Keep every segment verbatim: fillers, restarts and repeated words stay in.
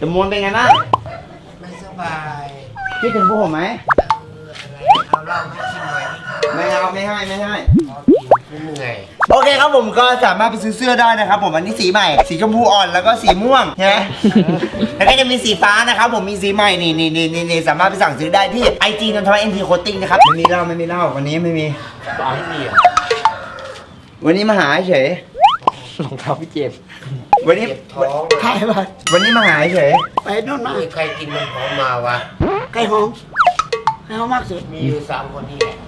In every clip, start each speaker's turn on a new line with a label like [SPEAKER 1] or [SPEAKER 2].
[SPEAKER 1] จมวนเป็นไงบ้าง
[SPEAKER 2] ไม่สบาย
[SPEAKER 1] คิดถึงพวกผมไหม
[SPEAKER 2] เอาเหล้ามากินหน่อย
[SPEAKER 1] ไม่เอาไม่ให้ไม่ให้
[SPEAKER 2] เหนื่อย
[SPEAKER 1] โอเคครับผมก็สามารถไปซื้อเสื้อได้นะครับผมอันนี้สีใหม่สีชมพูอ่อนแล้วก็สีม่วงใช่ไหมแล้วก็จะมีสีฟ้านะครับผมมีสีใหม่นี่นี่นี่นี่สามารถไปสั่งซื้อได้ที่ไอจีนนทวัฒน์เอ็นทีโคตติ้งนะครับไม่มีเหล้าไม่มีเหล้าวันนี้ไม่มี
[SPEAKER 2] ไม่มี
[SPEAKER 1] วันนี้มาหาเฉย
[SPEAKER 3] รองเท้าพี่เจม
[SPEAKER 1] วันนี้
[SPEAKER 2] ท้อง
[SPEAKER 1] ใช่ป่ะวันนี้มาหาเฉย
[SPEAKER 3] ไปนู่นมา
[SPEAKER 2] ใครกินมันหอมมาวะ
[SPEAKER 3] ไก่หอมไก่หอมมากสุด
[SPEAKER 2] มีอยู่สามคนนี่แหละ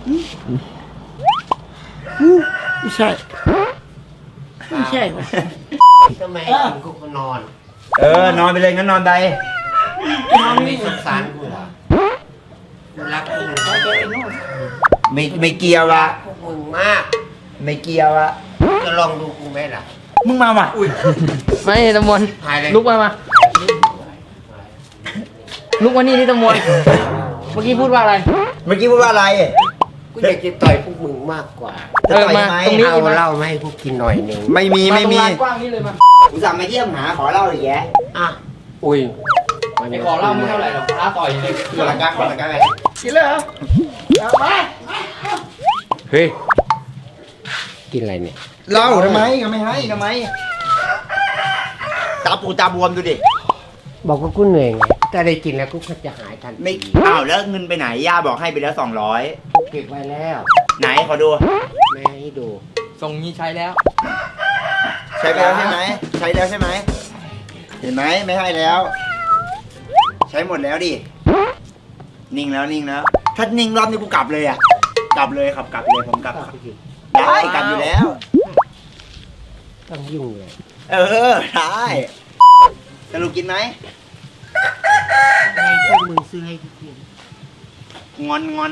[SPEAKER 3] ไม่ใช่ไม่ใช่
[SPEAKER 2] ทำไมกินกูนอน
[SPEAKER 1] เออนอนไปเลยงั้นนอนไป
[SPEAKER 2] นอนไม่สงสารกูเหรอรักมึง
[SPEAKER 1] ไม่ไม่เกี่ยวละ
[SPEAKER 2] พวกมึงมาก
[SPEAKER 1] ไม่เกี่ยวละ
[SPEAKER 2] จะลองดูกูไหมล่ะ
[SPEAKER 1] มึงมาว่ะ
[SPEAKER 3] ไม่ตะมวนลุกมามาลุกมานี่นี่ตะมวนเมื่อกี้พูดว่าอะไร
[SPEAKER 1] เมื่อกี้พูดว่าอะไร
[SPEAKER 2] กูอยากจะต่อยพวกมึงมากกว่า
[SPEAKER 1] เออมา
[SPEAKER 2] ตรงนี้เอาเหล้ามาให้พวกกินหน่อยหนึ่ง
[SPEAKER 1] ไม่มีไม่มี
[SPEAKER 3] กว้างนี่เลยมา
[SPEAKER 1] กูสั่งมาเยี่ยมหาขอเหล้าเลยแย่
[SPEAKER 2] อ่ะอุ้ย
[SPEAKER 3] ไอ้ขอเหล้าไม่เท่าไหร่หรอกท้าต่อยเลย
[SPEAKER 1] ขอละกันขอละกันเลย
[SPEAKER 3] กินเลยเหรอมา
[SPEAKER 2] เฮ้ยกินอะไรเนี่ย
[SPEAKER 1] เหล้าทำไมก็ไม่ให้ทำไมตาปูตาบวมดูดิ
[SPEAKER 2] บอกว่ากูเหนื่อยไงแต่ได้กินแล้วกูก็จะหายทัน
[SPEAKER 1] ไม่อ้าวแล้วเงินไปไหนย่าบอกให้ไปแล้วสองร้อย
[SPEAKER 2] เก็บไว้แล้ว
[SPEAKER 1] ไหนขอดู
[SPEAKER 2] ไม่ให้ดู
[SPEAKER 3] ส่งนี้ใช้แล้ว
[SPEAKER 1] ใช้ไปแล้วใช่ไหมใช้แล้วใช่ไหมเห็นไหมไม่ให้แล้วใช้หมดแล้วดินิ่งแล้วนิ่งแล้วถ้านิ่งรอบนี้กูกลับเลยอ่ะกลับเลยครับกลับเลยผมกลับได้กลับอยู่แล้ว
[SPEAKER 2] ต้องยุ่งเลย
[SPEAKER 1] เออได้สรุปกินไหม
[SPEAKER 2] ไอ้พวกมึงซื้อให้กิน
[SPEAKER 1] งอนงอน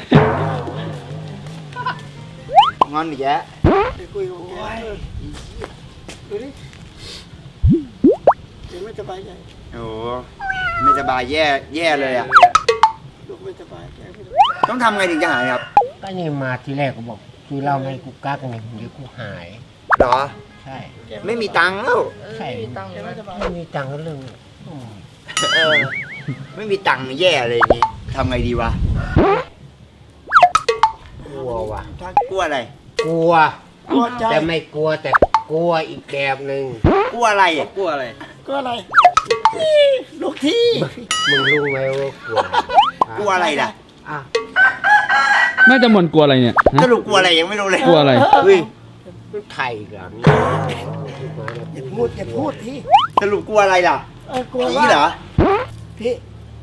[SPEAKER 1] งอนอีกแยะ
[SPEAKER 3] คุยกับดูดิเดี๋ยวไม่สบายใจ
[SPEAKER 1] โอ้ไม่สบายแย่แย่เลยอ่ะ
[SPEAKER 3] ลูกไม่สบายใจ
[SPEAKER 1] ต้องทำไงถึงจะหายครับ
[SPEAKER 2] ก็นี่มาทีแรกก็บอกคือเราให้กูกักหนึ่งเดี๋ยวกูหาย
[SPEAKER 1] หรอ
[SPEAKER 2] ใช่
[SPEAKER 1] ไม่มีตังค์แล้ว
[SPEAKER 2] ใช่ไม่มีตังค์ไม่มีตังค์ก็เรื่อง
[SPEAKER 1] เออไม่มีตังค์แย่เลยนี่ทำไงดีวะ
[SPEAKER 2] กลัววะ
[SPEAKER 1] กลัวอะไร
[SPEAKER 2] กลัวแต่ไม่กลัวแต่กลัวอีกแบบหนึ่ง
[SPEAKER 1] กลัวอะไรอ่ะ
[SPEAKER 3] กลัวอะไรกลัวอะไรลูกที่
[SPEAKER 2] มึงรู้ไหมว่ากลัว
[SPEAKER 1] กลัวอะไรล่ะ
[SPEAKER 2] อ่ะ
[SPEAKER 4] น่าจะมันกลัวอะไรเนี่ย
[SPEAKER 1] สรุปกลัวอะไรยังไม่รู้เลย
[SPEAKER 4] กลัวอะไร
[SPEAKER 1] เฮ้ย
[SPEAKER 2] ไทยกัน
[SPEAKER 3] อย่าพูดอย่าพูดพี่
[SPEAKER 1] สรุปกลัวอะไรล่ะผีเหรอ
[SPEAKER 3] พี่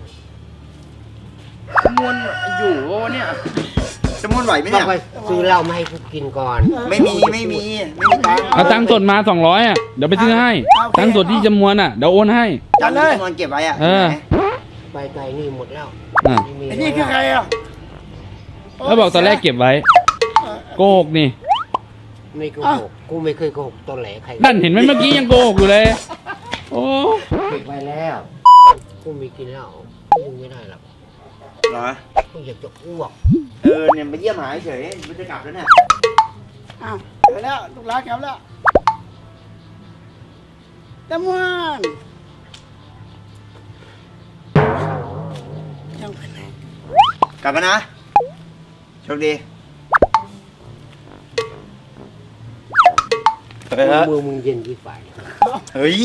[SPEAKER 3] มวนอยู่เนี่ย
[SPEAKER 1] จะม้วนไหวไหมเนี่ย
[SPEAKER 2] ซื้อเหล้ามาให้กูกินก่อน
[SPEAKER 1] ไม่มีไม่มีไม่มีตังค์
[SPEAKER 4] เอาตังค์สดมาสองร้อยอ่ะเดี๋ยวไปซื้อให้ตังค์สดที่จำนวนอ่ะเดี๋ยวโอนให้
[SPEAKER 1] ตังค์ที่จำนวนเก็บไว้อ่ะ
[SPEAKER 4] เออ
[SPEAKER 2] ไปไกลนี่หมดแล้ว
[SPEAKER 3] ไอ้นี่คือใครอ่ะ
[SPEAKER 4] แล้วบอกตอนแรกเก็บไว้โกหกนี่
[SPEAKER 2] ไม่โกหกกูไม่เคยโกหกตอนแหลใคร
[SPEAKER 4] นั่นเห็นไหมเมื่อกี้ยังโกหกอยู่เลยโอ้
[SPEAKER 2] เก็บไว้แล้วกูไม่กินเหล้ากูไม่ได้หรอก
[SPEAKER 1] เหรอ
[SPEAKER 2] กูอยากจะอ้วก
[SPEAKER 1] เออเนี่ยมาเยี่ยมหาเฉยมันจะกลับแล้วเนี่ย
[SPEAKER 3] อ้าวไปแล้วลูกหลานกลับแล้วตะมวนยังไปไหน
[SPEAKER 1] กลับมานะโชคดี
[SPEAKER 2] มือมึงเย็นกี่ฝ่าย
[SPEAKER 1] เฮ้ย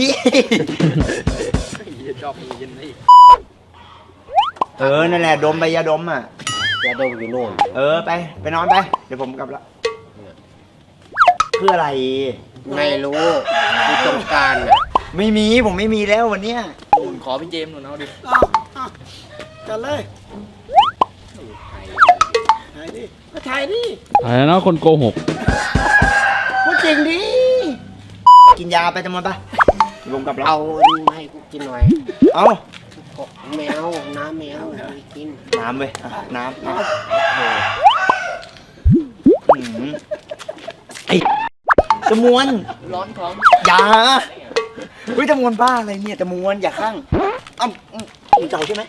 [SPEAKER 3] ชอบมือเย็นนี่
[SPEAKER 1] เออนั่นแหละดมไปยาดมอ่ะ
[SPEAKER 2] ยาดมอยู่โน่น
[SPEAKER 1] เออไปไปนอนไปเดี๋ยวผมกลับละเพื่ออะไร
[SPEAKER 2] ไม่รู้กูต้องการอ่ะ
[SPEAKER 1] ไม่มีผมไม่มีแล้ววันเนี้ย
[SPEAKER 3] ขอพี่เจมส์หน่อยเอาดิกันเลยถ่ายดิมาถ่ายดิ
[SPEAKER 4] ถ่ายแล้วคนโกหก
[SPEAKER 3] พูดจริงดิ
[SPEAKER 1] กินยาไปจำนวนปะผมกลับแล้ว
[SPEAKER 2] เอาให้กูกินหน่อย
[SPEAKER 1] เอา
[SPEAKER 2] แมวน้ำแมวกิน
[SPEAKER 1] น้ำเว้ยน้ำไอ้จมวน
[SPEAKER 3] ร้อนท้อง
[SPEAKER 1] อย่าเฮ้ยจมวนบ้าอะไรเนี่ยจมวนอย่าข้างอ้าวมึงเจ้าใช่ไหม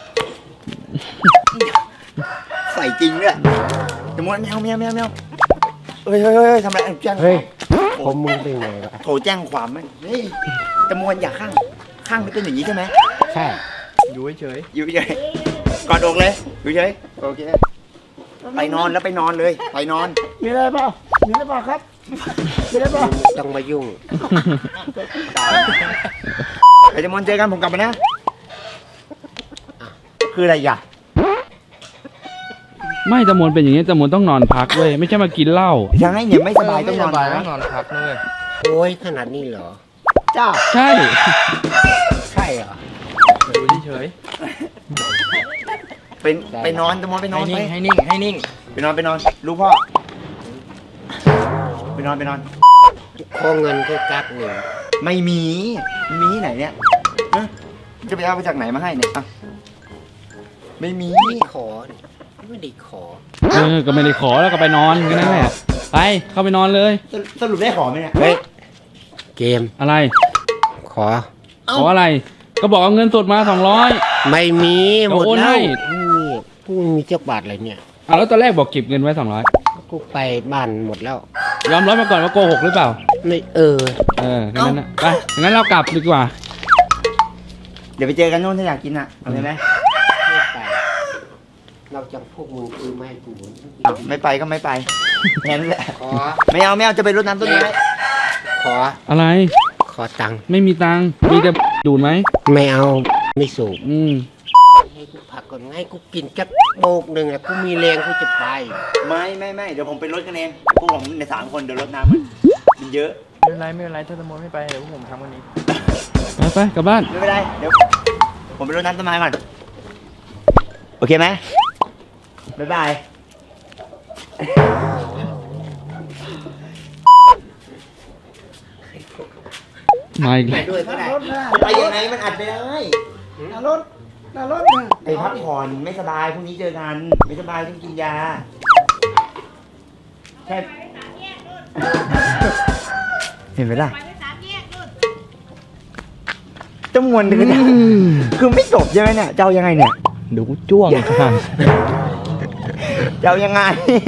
[SPEAKER 1] ใส่จริงด้วยจมวนแมวแมวแมวแมวเฮ้ยเฮ้ยเฮ้ยทำอะไรแจ้ง
[SPEAKER 2] เฮ้ยผมมึงเป็นไงวะ
[SPEAKER 1] โทรแจ้งความไหมเฮ้ยจมวนอย่าข้างข้างไม่เป็นอย่างนี้ใช่ไหม
[SPEAKER 2] ใช่
[SPEAKER 3] อยู่เฉย
[SPEAKER 1] อยู่เฉยกอดอกเลยอยู่เฉยโอเคไปนอนแล้วไปนอนเลยไปนอน
[SPEAKER 3] มีอะไรเปล่ามีอะไรเปล่าครับมีอะไรเปล่า
[SPEAKER 2] ต้องมายุ่ง
[SPEAKER 1] ไปจะมอนเจอกันผมกลับมานะคืออะไรอ่ะ
[SPEAKER 4] ไม่ตะมวนเป็นอย่างนี้ตะมวนต้องนอนพักเว้ยไม่ใช่มากินเหล้า
[SPEAKER 1] ยังไงเนี่ยไม่สบายต้องนอน
[SPEAKER 3] ต้
[SPEAKER 1] นะ
[SPEAKER 3] องนอนพักด้วย
[SPEAKER 2] โอ้ยขนาดนี้เหรอ
[SPEAKER 1] เจ้า
[SPEAKER 4] ใช่
[SPEAKER 2] ใช่เหรอ
[SPEAKER 3] อยู่เฉย
[SPEAKER 1] เป็นไปนอนจะมอนไปนอน
[SPEAKER 3] ให้
[SPEAKER 1] ไป
[SPEAKER 3] นิ่งให้นิ่งให้นิ่ง
[SPEAKER 1] ไปนอนไปนอนลูกพ่อไปนอนไปนอน
[SPEAKER 2] ขอเงินก็กักหนึ่ง
[SPEAKER 1] ไม่มีไม่มีที่ไหนเนี่ยฮะจะไปเอามาจากไหนมาให้เนี่ยอ่ะไม่มี
[SPEAKER 2] ไม่ขอนี่ไม่ได้ขอ
[SPEAKER 4] เออก็ไม่ได้ขอแล้วก็ไปนอนแค่นั้นแหละไปเข้าไปนอนเลย
[SPEAKER 1] สรุปสรุปได้ขอไหมเนี่ย
[SPEAKER 2] เฮ้ย เกม
[SPEAKER 4] อะไร
[SPEAKER 2] ขอ
[SPEAKER 4] ขออะไร ก็บอกเอาเงินสดมาสองร้อย
[SPEAKER 2] ไม่มีหมด
[SPEAKER 4] โอน
[SPEAKER 2] แล้
[SPEAKER 4] ให้
[SPEAKER 2] วไม่มีกูไม่มีเจ้าบาทอะไรเนี่ย
[SPEAKER 4] อ่ะแล้วตอนแรกบอกเก็บเงินไว้สองร้อย
[SPEAKER 2] กูไปบ้านหมดแล้ว
[SPEAKER 4] ยอมรับมาก่อนว่าโกหกหรือเปล่า
[SPEAKER 2] ไม่เออ
[SPEAKER 4] เออแค่นั้นนะไปงั้นเรากลับดีกว่า
[SPEAKER 1] เดี๋ยวไปเจอกันโน่นถ้าอยากกินอ่ะเอาไหม
[SPEAKER 2] ไม่ไปเราจะพวกมึงคือไม่ให้กู
[SPEAKER 1] อ้าวไม่ไปก็ไม่ไปแค่นั้นแหละ
[SPEAKER 2] ขอ
[SPEAKER 1] ไม่เอาไม่เอาจะไปรดน้ำต้นไม้
[SPEAKER 2] ขอ
[SPEAKER 4] อะไร
[SPEAKER 2] ขอตังค์
[SPEAKER 4] ไม่มีตังค์มีแต่ดูดไหม
[SPEAKER 2] ไม่เอาไม่สูบ
[SPEAKER 4] อืม
[SPEAKER 2] ให้กูพักก่อนไงกูกินจักโบกหนึ่งอะกูมีแรงกูจะไป
[SPEAKER 1] ไม่ไม่ไม่เดี๋ยวผมไปรดกันเองพวกผมในสามคนเดี๋ยวรดน้ำมันมันเยอะ
[SPEAKER 3] ไม่เป็นไรไม่เป็นไรถ้าตะมนไม่ไปเดี๋ยวพวกผมทำวันนี้
[SPEAKER 4] ไปไปกลับบ้าน
[SPEAKER 1] ไม่เป็นไรเดี๋ยวผมไปรดน้ำต้นไม้ก่อนโอเคไหมบ๊ายบาย
[SPEAKER 4] มาอีก
[SPEAKER 2] ไป
[SPEAKER 4] แล้ว
[SPEAKER 2] ด้วยก็ได้
[SPEAKER 3] รถนะ
[SPEAKER 1] ไปยังไงมันอัดไม่ได้
[SPEAKER 3] หน้ารถหน้ารถนะ
[SPEAKER 1] ไปพักผ่อนไม่สบายพรุ่งนี้เจอกันไม่สบายต้องกินยาใช่เห็นไหมล่ะจำนวนเดือนคือไม่จบใช่ไหมเนี่ยเจ้ายังไงเนี่ย
[SPEAKER 4] เดี๋ยวกูจ้วงค่ะ
[SPEAKER 1] เจ้ายังไง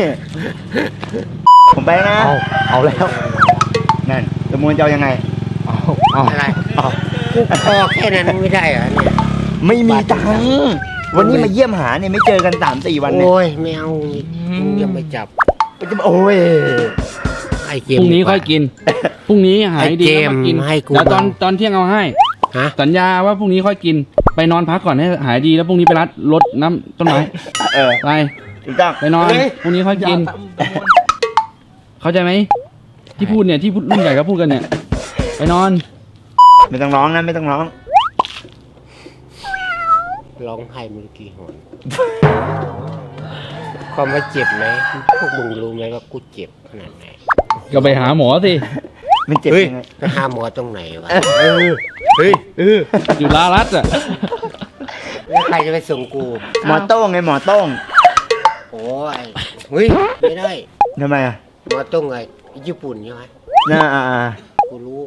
[SPEAKER 1] ผมไปแล้วนะ
[SPEAKER 4] เอาเอาแล้ว
[SPEAKER 1] นั่นจำนวนเจ้ายังไง
[SPEAKER 4] เอาเอา
[SPEAKER 2] อะไร
[SPEAKER 1] อ้าว
[SPEAKER 2] กูพอแค่นั้นไม่ได้เหรอเนี่ย
[SPEAKER 1] ไม่มีตังค์วันนี้มาเยี่ยมหาเนี่ยไม่เจอกันสามสี่วันเนี่ย
[SPEAKER 2] โอ้ยไม่เอามึงอย่าไปจับ
[SPEAKER 1] จะโอ้ย
[SPEAKER 2] ไอ้เก
[SPEAKER 4] พ
[SPEAKER 2] ม
[SPEAKER 4] รุ่งนี้
[SPEAKER 2] ดีกว่า
[SPEAKER 4] ค่อยกินพรุ่งนี้หายดี
[SPEAKER 2] ไอ้เกม
[SPEAKER 4] แล้วมากิน
[SPEAKER 2] ให้กู
[SPEAKER 4] เดี๋ยวตอน
[SPEAKER 2] บ้าง
[SPEAKER 4] ตอนเที่ยงเอาให้
[SPEAKER 2] ฮะ
[SPEAKER 4] สัญญาว่าพรุ่งนี้ค่อยกิน ไปนอนพักก่อนให้หายดีแล้วพรุ่งนี้ไปรัดรดน้ำต้นไม้
[SPEAKER 1] เออ
[SPEAKER 4] ไป
[SPEAKER 1] ถูกต้อง
[SPEAKER 4] ไปนอน
[SPEAKER 1] เฮ้ย
[SPEAKER 4] พรุ่งนี้ค่อยกิน เข้าใจไหมที่พูดเนี่ยที่พูดรุ่นใหญ่ก็พูดกันเนี่ย ไปนอน
[SPEAKER 1] ไม่ต้องร้องนะไม่ต้องร้อง
[SPEAKER 2] ร้องไห้มึงกี่หนความว่าเจ็บไหมพวกมึงรู้ไหมว่ากูเจ็บขนาดไหน
[SPEAKER 4] ก็ไปหาหมอสิ
[SPEAKER 1] มันเจ็บ
[SPEAKER 2] เฮ้ย
[SPEAKER 1] ยังไง
[SPEAKER 2] ไปหาหมอตรงไหนวะ
[SPEAKER 1] เออ
[SPEAKER 2] เฮ้ยเออ
[SPEAKER 4] อยู่ลารัดอ่ะ
[SPEAKER 2] แล้วใครจะไปส่งกู
[SPEAKER 1] หมอโต้งไงหมอโต้ง
[SPEAKER 2] โอ้ยเฮ้ยไม่ได้
[SPEAKER 1] ทำไมอ่ะ
[SPEAKER 2] หมอต้องไงญี่ปุ่นใช่ไหม
[SPEAKER 1] น่าอ่าอ่า
[SPEAKER 2] กูรู้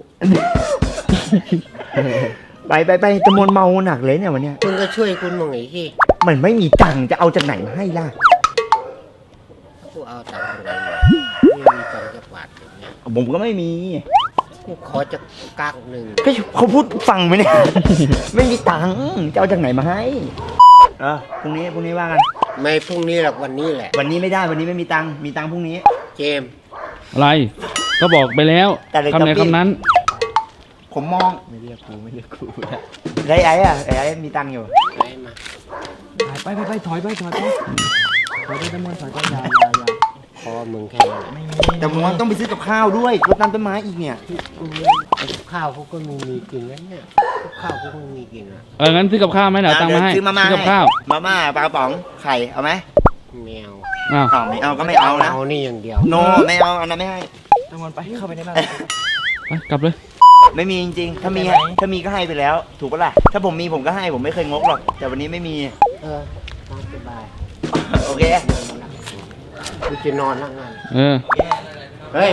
[SPEAKER 1] ไปไปไปจำนวนเมาหนักเลยเนี่ยวันเนี้ย
[SPEAKER 2] มึงก็ช่วยคุณมึงไอ้ที่
[SPEAKER 1] มันไม่มีตังค์จะเอาจากไหนมาให้ล่ะ
[SPEAKER 2] กูเอาตังค์ตรงไหนมาไม่มีตังค์จะบาทอย่างเงี้ย
[SPEAKER 1] ผมก็ไม่มี
[SPEAKER 2] กูขอจะกักหนึ่ง
[SPEAKER 1] ก็เขาพูดฟังไหมเนี่ย ไม่มีตังค์จะเอาจากไหนมาให้เออพรุ่งนี้พรุ่งนี้ว่ากัน
[SPEAKER 2] ไม่พรุ่งนี้หรอกวันนี้แหละ
[SPEAKER 1] วันนี้ไม่ได้วันนี้ไม่มีตังค์มีตังค์พรุ่งนี้
[SPEAKER 2] เจมส์
[SPEAKER 4] อะไร ก็บอกไปแล้ว
[SPEAKER 1] แต่เลย
[SPEAKER 4] คำไหน
[SPEAKER 1] กับพี่
[SPEAKER 4] คำนั้น
[SPEAKER 1] ผมมอง
[SPEAKER 3] ไม่เรียกกูไม่เรียกกู
[SPEAKER 1] ไรไอ้อะไอ้ไอ้มีตังค์อยู่
[SPEAKER 2] ไปมา
[SPEAKER 3] ไปไปไปถอยไปถอยไปถอยไปตะมนถอยไปอยาอยาอยา
[SPEAKER 2] ขอมึงแค่นั้นแหละ
[SPEAKER 3] ไม่มี
[SPEAKER 1] แต่ผมว่าต้องไปซื้อกับข้าวด้วยรดน้ำต้นไม้อีกเนี่ย
[SPEAKER 2] ไอ้ข้าวเขาก็ไม่มีกินแล้วเนี่ยข้าวเขาก็ไม่มีกินอ่ะ
[SPEAKER 4] เอองั้นซื้อกับข้าวไหมเดี๋ยวเอาตังค์มาให้
[SPEAKER 1] ซื้อมาม่า
[SPEAKER 4] ซื้อกับข้าว
[SPEAKER 1] มาม่าปลากระป๋องไข่เอาไหม
[SPEAKER 2] แมว
[SPEAKER 4] อ้าว
[SPEAKER 1] เอาไม่เอาก็ไม่เอานะ
[SPEAKER 2] เอานี่อย่างเดียว
[SPEAKER 1] โนไม่เอาอันนั้นไม่ให้
[SPEAKER 3] ตะมนไปเข้าไปในบ้าน
[SPEAKER 4] ไปกลับเลย
[SPEAKER 1] ไม่มีจริงๆถ้ามี
[SPEAKER 3] ไม่เป็นไร
[SPEAKER 1] ถ้ามีก็ให้ไปแล้ว ถูกปะล่ะถ้าผมมีผมก็ให้ผมไม่เคยงกหรอกแต่วันนี้ไม่มี
[SPEAKER 2] เออตามสบาย
[SPEAKER 1] โอเค
[SPEAKER 2] กูจะนอนแล้วงาน
[SPEAKER 4] เออ
[SPEAKER 1] เฮ้ย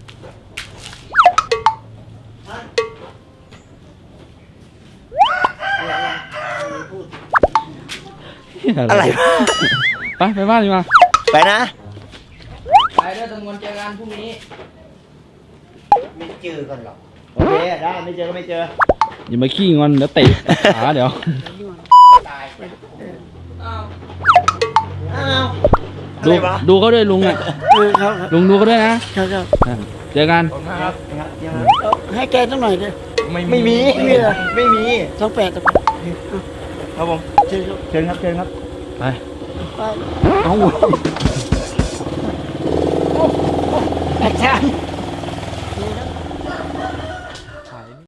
[SPEAKER 1] อะไรวะ
[SPEAKER 4] ไปไปบ้านดีกว่า
[SPEAKER 1] ไปนะ
[SPEAKER 3] ไปเด้อตะมนเจอกันพรุ่งนี้
[SPEAKER 2] ไม่เจอกันหรอก
[SPEAKER 1] โอเคได้ไม่เจอก็ไม่เจอ
[SPEAKER 4] อย่ามาขี้งอนเดี๋ยวเตะขาเดี๋ยว
[SPEAKER 1] อ้าวอะ
[SPEAKER 4] ดู
[SPEAKER 1] ไรวะ
[SPEAKER 4] ดูเขาด้วยลุงอ่ะ
[SPEAKER 5] เออครับครับ
[SPEAKER 4] ลุงดูเขาด้วยนะ
[SPEAKER 5] ครับครับ
[SPEAKER 4] อ่ะเจอกัน
[SPEAKER 5] เอาให้แกสักหน่อยดิ
[SPEAKER 1] ไม่มีไม่มีไม่มี
[SPEAKER 5] สองแปดสองแปด
[SPEAKER 1] ครับผม
[SPEAKER 5] เชิญครับ
[SPEAKER 1] เชิญครับเชิญครับ
[SPEAKER 4] ไป
[SPEAKER 5] ไป
[SPEAKER 1] เอ้า
[SPEAKER 5] อาจารย์